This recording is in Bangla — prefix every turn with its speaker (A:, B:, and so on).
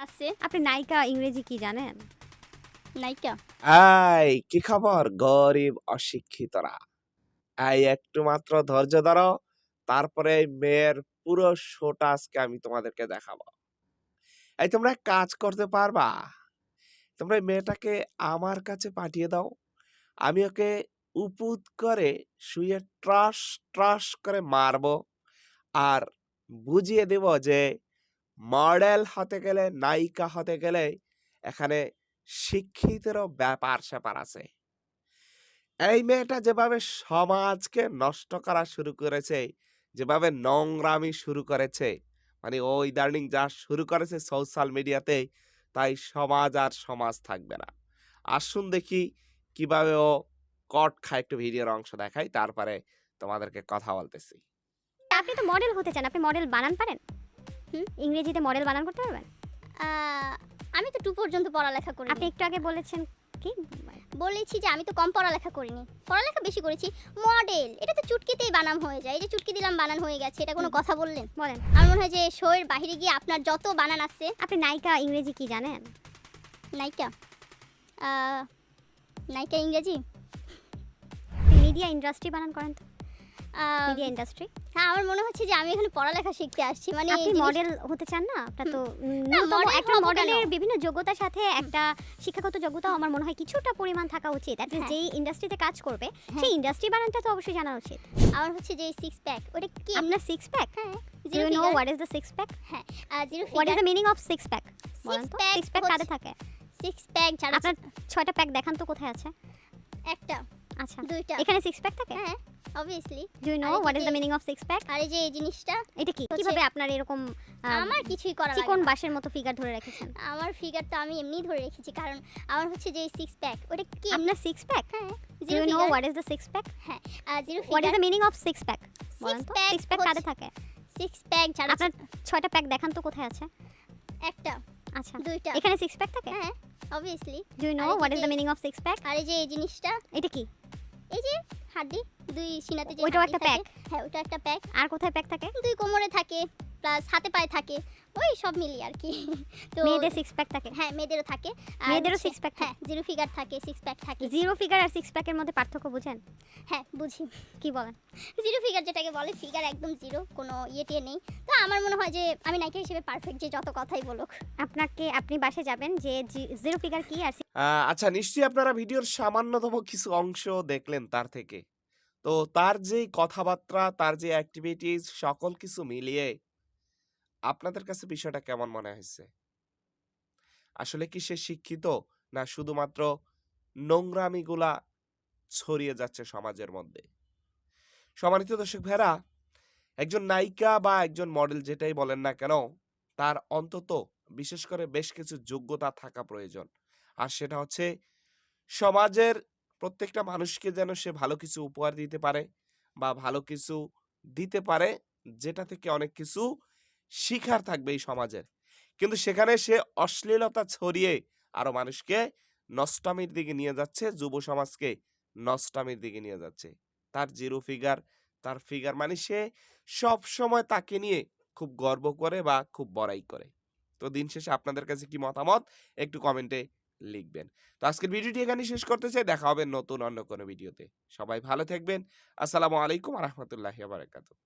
A: আছে।
B: আপনি নায়িকা ইংরেজি কি জানেন?
A: নায়িকা?
C: কি খবর গরিব অশিক্ষিতরা? একটু মাত্র ধৈর্য ধরো। তারপরে এই মেয়ের পুরো শোটা আজকে আমি তোমাদেরকে দেখাবো। তোমরা এক কাজ করতে পারবা? তোমরা এই মেয়েটাকে আমার কাছে পাঠিয়ে দাও। আমি ওকে উপুত করে শুইয়ে ট্রাস, ট্রাস করে মারবো। আর বুঝিয়ে দেব যে মডেল হতে গেলে, নায়িকা হতে গেলে এখানে শিক্ষিতেরও ব্যাপার-স্যাপার আছে। এই মেয়েটা যেভাবে সমাজকে নষ্ট করা শুরু করেছে, যেভাবে নোংরামি শুরু করেছে, মানে ও ইদানিং যা শুরু করেছে সোশ্যাল মিডিয়াতে, তাই সমাজ আর সমাজ থাকবে না। আসুন দেখি কিভাবে ও কট খায়, একটু ভিডিওর অংশ দেখাই, তারপরে তোমাদেরকে কথা বলতেছি।
B: আপনি তো মডেল হতে চান। আপনি মডেল বানান পারেন?
A: হুম?
B: ইংরেজিতে মডেল বানান করতে পারবেন?
A: আ আমি তো 2 পর্যন্ত পড়ালেখা
B: আপনি
A: করিনি।
B: একটু আগে বলেছেন কি?
A: বলেছি যে আমি তো কম পড়ালেখা করিনি। পড়ালেখা বেশি করেছি। মডেল এটা তো চুটকিতেই বানান হয়ে যায়। এই যে চুটকি দিলাম বানান হয়ে গেছে। এটা কোনো কথা বললেন?
B: বলেন।
A: আমার মনে হয় যে শোয়ের বাহিরে গিয়ে আপনার যত বানান আছে।
B: আপনি নায়িকা ইংরেজি কি জানেন?
A: নায়িকা? আ নায়িকা ইংরেজি?
B: মিডিয়া ইন্ডাস্ট্রি বানান করেন তো।
A: আ
B: মিডিয়া ইন্ডাস্ট্রি।
A: হ্যাঁ, আমার মনে হচ্ছে যে আমি এখানে পড়ালেখা শিখতে আসছি। মানে
B: আপনি
A: জিনিস
B: মডেল হতে চান না? আপনার তো
A: না,
B: ন্যূনতম
A: model
B: একটা
A: হবো
B: মডেলের
A: কেন?
B: বিভিন্ন যোগ্যতার সাথে একটা শিক্ষাগত যোগ্যতাও আমার মনে হয় কিছুটা পরিমাণ থাকা উচিত। এট লিস্ট
A: হ্যাঁ।
B: যেই ইন্ডাস্ট্রিতে কাজ করবে
A: হ্যাঁ।
B: সেই ইন্ডাস্ট্রি বানানটা তো অবশ্যই জানা উচিত।
A: আমার হচ্ছে যে 6 প্যাক ওটা কি?
B: আপনার সিক্স প্যাক?
A: হ্যাঁ,
B: do
A: zero
B: you know
A: figure.
B: What is the six pack?
A: হ্যাঁ, zero
B: what is
A: figure.
B: The meaning of six pack? বলেন তো।
A: pack
B: সিক্স প্যাক
A: হচ্ছে-
B: কাদের থাকে?
A: 6 প্যাক যারা
B: আপনার 6টা প্যাক দেখান তো কোথায় আছে?
A: একটা,
B: আচ্ছা।
A: 2টা।
B: এখানে সিক্স প্যাক থাকে?
A: হ্যাঁ, obviously।
B: ডু ইউ নো
A: আর এই
B: হোয়াট ইজ
A: যে-
B: the meaning of six pack?
A: আর এই যে এই জিনিসটা
B: এটা কি?
A: হচ্ছে-
B: কিভাবে আপনার এরকম
A: আমার কিছুই করা লাগে
B: চিকন
A: না।
B: বাঁশের মতো ফিগার ধরে রেখেছেন?
A: আমার ফিগার তো আমি এমনিই ধরে রেখেছি কারণ আমার হচ্ছে যে 6 প্যাক ওটা কি?
B: আপনার সিক্স প্যাক?
A: হ্যাঁ,
B: do
A: zero
B: you know
A: figure.
B: What is the six pack?
A: হ্যাঁ, zero
B: what is
A: figure.
B: The meaning of six pack? বলেন তো।
A: pack
B: সিক্স প্যাক কাদের
A: হচ্ছে-
B: থাকে?
A: 6 প্যাক যারা
B: আপনার 6টা প্যাক দেখান তো কোথায় আছে?
A: একটা,
B: আচ্ছা।
A: 2টা।
B: এখানে সিক্স প্যাক থাকে?
A: হ্যাঁ, obviously।
B: ডু ইউ নো
A: আর এই
B: হোয়াট ইজ
A: যে-
B: the meaning of six pack?
A: আর এই যে এই জিনিসটা
B: এটা কি?
A: এই যে হাড্ডি, 2 সিনাতে যে
B: ওইটাও
A: হাড্ডি
B: একটা
A: থাকে,
B: প্যাক?
A: হ্যাঁ, ওটা একটা প্যাক।
B: আর কোথায় প্যাক থাকে?
A: 2 কোমরে থাকে প্লাস হাতে পায়ে থাকে। ওই সব মিলিয়ে আর কি। তো
B: মেয়েদের সিক্স প্যাক থাকে?
A: হ্যাঁ, মেয়েদেরও থাকে। আর
B: মেয়েদেরও
A: হচ্ছে-
B: six pack থাকে?
A: হ্যাঁ, জিরো ফিগার থাকে, 6 প্যাক থাকে।
B: জিরো ফিগার আর সিক্স প্যাকের মধ্যে পার্থক্য বুঝেন?
A: হ্যাঁ, বুঝি।
B: কি বলেন?
A: জিরো ফিগার যেটাকে বলে, ফিগার একদম জিরো, কোনো টিয়ে নেই। তো আমার মনে হয় যে আমি নায়িকা হিসেবে পারফেক্ট, যে যত কথাই বলুক।
B: আপনি বাসে যাবেন যে জিরো ফিগার কি আর
C: আচ্ছা, নিশ্চয়ই আপনারা ভিডিওর সামান্যতম কিছু অংশ দেখলেন তার থেকে। তো তার যেই কথাবার্তা, তার যে অ্যাক্টিভিটিস সকল কিছু মিলিয়ে আপনাদের কাছে বিষয়টা কেমন মনে হয়েছে? আসলে কি সে শিক্ষিত, না শুধুমাত্র নোংরামিগুলা ছড়িয়ে যাচ্ছে সমাজের মধ্যে? সম্মানিত দর্শক ভাইরা, একজন নায়িকা বা একজন মডেল যেটাই বলেন না কেন, তার অন্তত বিশেষ করে বেশ কিছু যোগ্যতা থাকা প্রয়োজন। আর সেটা হচ্ছে সমাজের প্রত্যেকটা মানুষকে যেন সে ভালো কিছু উপহার দিতে পারে বা ভালো কিছু দিতে পারে, যেটা থেকে অনেক কিছু শিখার থাকবে এই সমাজের। কিন্তু সেখানে সে অশ্লীলতা ছড়িয়ে আরো মানুষকে নষ্টামির দিকে নিয়ে যাচ্ছে, যুব সমাজকে নষ্টামির দিকে নিয়ে যাচ্ছে। তার জিরো ফিগার, তার ফিগার মানে সে সব সময় তাকে নিয়ে খুব গর্ব করে বা খুব বড়াই করে। তো দিন শেষে আপনাদের কাছে কি মতামত একটু কমেন্টে লিখবেন। তো আজকের ভিডিওটি এখানে শেষ করতে চাই। দেখা হবে নতুন অন্য কোনো ভিডিওতে। সবাই ভালো থাকবেন। আসসালামু আলাইকুম ওয়া রাহমাতুল্লাহি ওয়া বারাকাতুহু।